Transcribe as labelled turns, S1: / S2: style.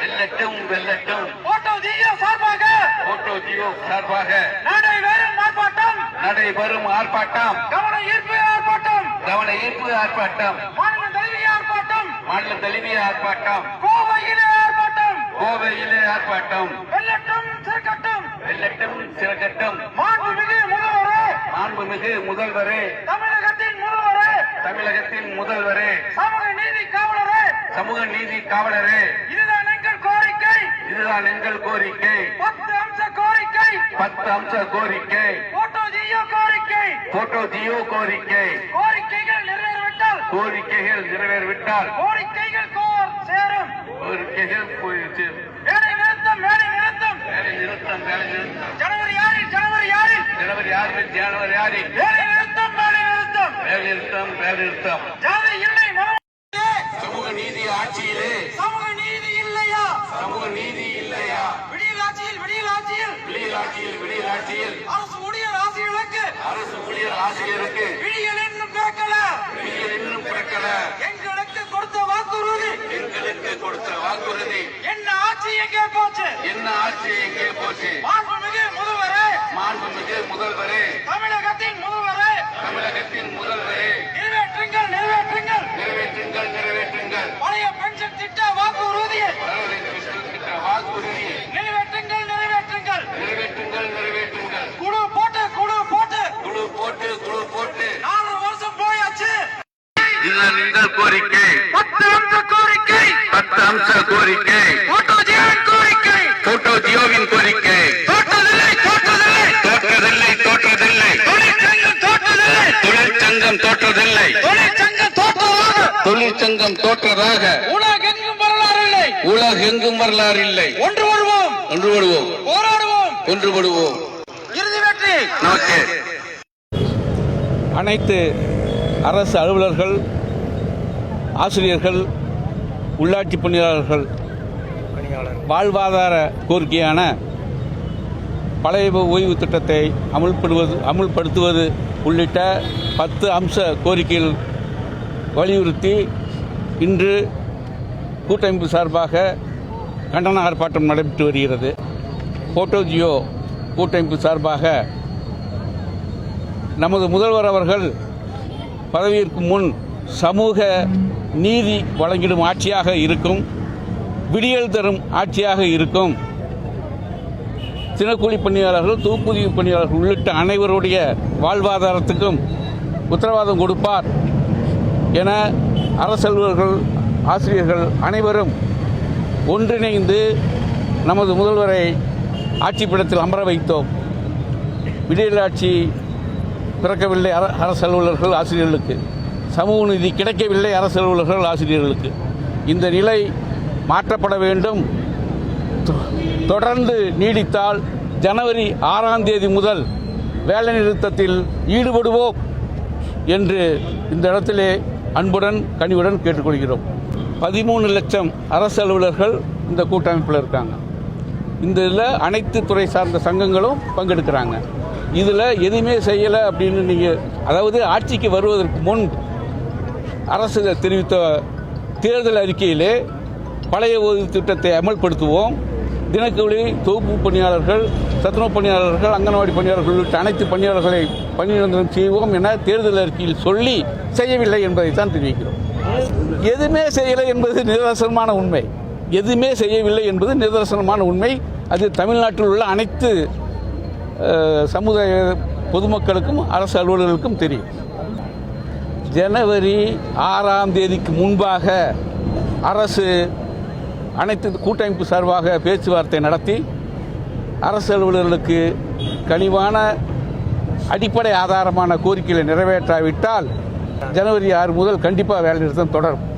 S1: வெல்லட்டும் வெல்லட்டும்.
S2: போட்டோ ஜியோ சார்பாக
S1: நடைபெறும் ஆர்ப்பாட்டம்
S2: கவன ஈர்ப்பு ஆர்ப்பாட்டம்
S1: மாநில தழுவிய ஆர்ப்பாட்டம்
S2: கோவையிலே ஆர்ப்பாட்டம் வெல்லட்டும்
S1: சிறக்கட்டும். மாண்புமிகு முதல்வரே தமிழகத்தின் முதல்வரே சமூக நீதி காவலரே
S2: இதுதான்
S1: எங்கள் கோரிக்கை 10 அம்ச கோரிக்கை போட்டோ ஜியோ கோரிக்கை
S2: கோரிக்கைகள் நிறைவேறிவிட்டால்
S1: கோரிக்கைகள் போயிடுச்சு.
S2: வேலை நிறுத்தம் ஜனவரி 6 வேலை நிறுத்தம் ஜாதி இல்லை
S1: சமூக நீதி ஆட்சியிலே
S2: சமூக நீதி இல்லையா விடியல் ஆட்சியில் அரசு ஊழியர் ஆசிரியருக்கு விடியல் இன்னும் பிறக்கல எங்களுக்கு கொடுத்த வாக்குறுதி என்ன ஆட்சி எங்கே போச்சு மாண்புமிகு முதல்வரே தமிழகத்தின் முதல்வரே நிறைவேற்றுங்கள் பழைய பென்ஷன் திட்ட வாக்குறுதியை நிறைவேற்றுங்கள் குழு போட்டு 4 வருஷம் போயாச்சு.
S1: இதுதான் எங்கள் கோரிக்கை
S2: 10 அம்ச கோரிக்கை
S1: போட்டோ ஜியோவின் கோரிக்கை தொழிற்சங்கம் தொழிற்சங்கம் தோற்றதாக உலகெங்கும் வரலாறு இல்லை. ஒன்றுபடுவோம்
S2: இறுதி வெற்றி.
S3: அனைத்து அரசு அலுவலர்கள், ஆசிரியர்கள், உள்ளாட்சி பணியாளர்கள் வாழ்வாதார கோரிக்கையான பழைய ஓய்வு திட்டத்தை அமுல்படுத்துவது உள்ளிட்ட 10 அம்ச கோரிக்கைகள் வலியுறுத்தி இன்று கூட்டமைப்பு சார்பாக கண்டன ஆர்ப்பாட்டம் நடைபெற்று வருகிறது. போட்டோ ஜியோ கூட்டமைப்பு சார்பாக நமது முதல்வர் அவர்கள் பதவியேற்கும் முன் சமூக நீதி வழங்கிடும் ஆட்சியாக இருக்கும், விடியல் தரும் ஆட்சியாக இருக்கும், தினக்கூலி பணியாளர்கள், தொகுப்பூதிய பணியாளர்கள் உள்ளிட்ட அனைவருடைய வாழ்வாதாரத்துக்கும் உத்தரவாதம் கொடுப்பார் என அரசு அலுவலர்கள், ஆசிரியர்கள் அனைவரும் ஒன்றிணைந்து நமது முதல்வரை ஆட்சிப்பிடத்தில் அமர வைத்தோம். விடியல் ஆட்சி பிறக்கவில்லை அரசு அலுவலர்கள், ஆசிரியர்களுக்கு சமூக நீதி கிடைக்கவில்லை அரசு அலுவலர்கள், ஆசிரியர்களுக்கு. இந்த நிலை மாற்றப்பட வேண்டும். தொடர்ந்து நீடித்தால் ஜனவரி 6ஆம் தேதி முதல் வேலைநிறுத்தத்தில் ஈடுபடுவோம் என்று இந்த இடத்திலே அன்புடன் கனிவுடன் கேட்டுக்கொள்கிறோம். 13 லட்சம் அரசு அலுவலர்கள் இந்த கூட்டமைப்பில் இருக்காங்க. இந்த இதில் அனைத்து துறை சார்ந்த சங்கங்களும் பங்கெடுக்கிறாங்க. இதில் எதுவுமே செய்யலை அப்படின்னு நீங்கள், அதாவது ஆட்சிக்கு வருவதற்கு முன் அரசு தெரிவித்த தேர்தல் அறிக்கையிலே பழைய ஓய்வு திட்டத்தை அமல்படுத்துவோம், தினக்கூலி, தொகுப்பு பணியாளர்கள், சத்துணவு பணியாளர்கள், அங்கன்வாடி பணியாளர்கள் உள்ளிட்ட அனைத்து பணியாளர்களை பணி நிரந்தரம் செய்வோம் என தேர்தல் அறிக்கையில் சொல்லி செய்யவில்லை என்பதைத்தான் தெரிவிக்கிறோம். எதுவுமே செய்யலை என்பது நிதர்சனமான உண்மை. எதுவுமே செய்யவில்லை என்பது நிதர்சனமான உண்மை. அது தமிழ்நாட்டில் உள்ள அனைத்து சமுதாய பொதுமக்களுக்கும் அரசு அலுவலர்களுக்கும் தெரியும். ஜனவரி 6ஆம் தேதிக்கு முன்பாக அரசு அனைத்து கூட்டமைப்பு சார்பாக பேச்சுவார்த்தை நடத்தி அரசு அலுவலர்களுக்கு கனிவான அடிப்படை ஆதாரமான கோரிக்கைகளை நிறைவேற்றாவிட்டால் ஜனவரி 6 முதல் கண்டிப்பாக வேலைநிறுத்தம் தொடரும்.